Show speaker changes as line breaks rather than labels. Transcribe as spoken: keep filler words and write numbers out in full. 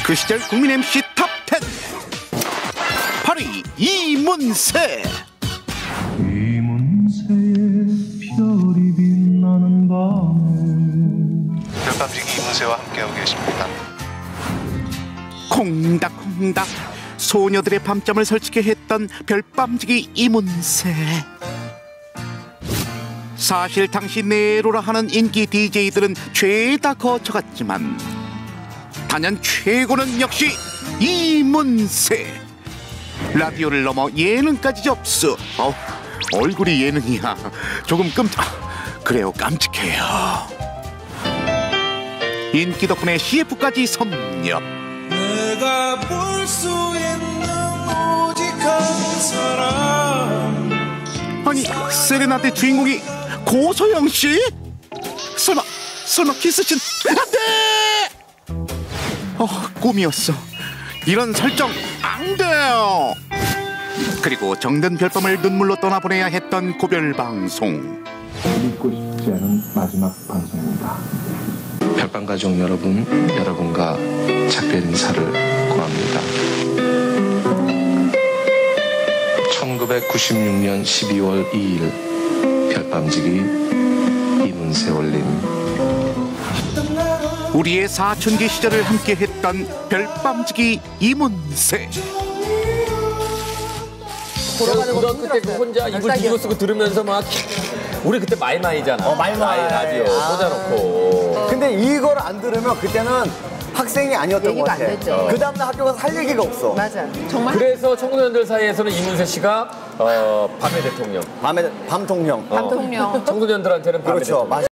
그 시절 국민 엠씨 탑 텐 바로 이 이문세.
이문세의 별이 빛나는 밤에
별밤지기 이문세와 함께하고 계십니다.
콩닥콩닥 소녀들의 밤잠을 설치게 했던 별밤지기 이문세. 사실 당시 네로라 하는 인기 디제이들은 죄다 거쳐갔지만 단연 최고는 역시 이문세. 라디오를 넘어 예능까지 접수. 어, 얼굴이 예능이야. 조금 끔찍... 그래요, 깜찍해요. 인기 덕분에 씨에프까지 섭렵.
내가 볼 수 있는 오직 한 사람.
아니, 세레나데 주인공이 고소영 씨? 설마, 설마 키스신? 안 돼! 어, 꿈이었어. 이런 설정 안 돼요. 그리고 정든 별밤을 눈물로 떠나보내야 했던 고별 방송.
믿고 싶지 않은 마지막 방송입니다.
별밤 가족 여러분, 여러분과 작별 인사를 고합니다. 천구백구십육 년 십이월 이일 별밤지기 이문세 올림.
우리의 사춘기 시절을 함께했던 별밤지기 이문세.
제가 고등학교 때 혼자 이불 뒤로 쓰고 들으면서 막 우리 그때 마이마이잖아.
어, 마이마이.
라디오 꽂아놓고.
근데 이걸 안 들으면 그때는 학생이 아니었던 것
얘기가
같아.
안 됐죠.
그 다음날 학교 가서 할 얘기가 없어.
맞아. 정말.
그래서 청소년들 사이에서는 이문세 씨가 어, 밤의 대통령.
밤에 밤통령.
어,
밤통령.
청소년들한테는 밤의
그렇죠.
대통령.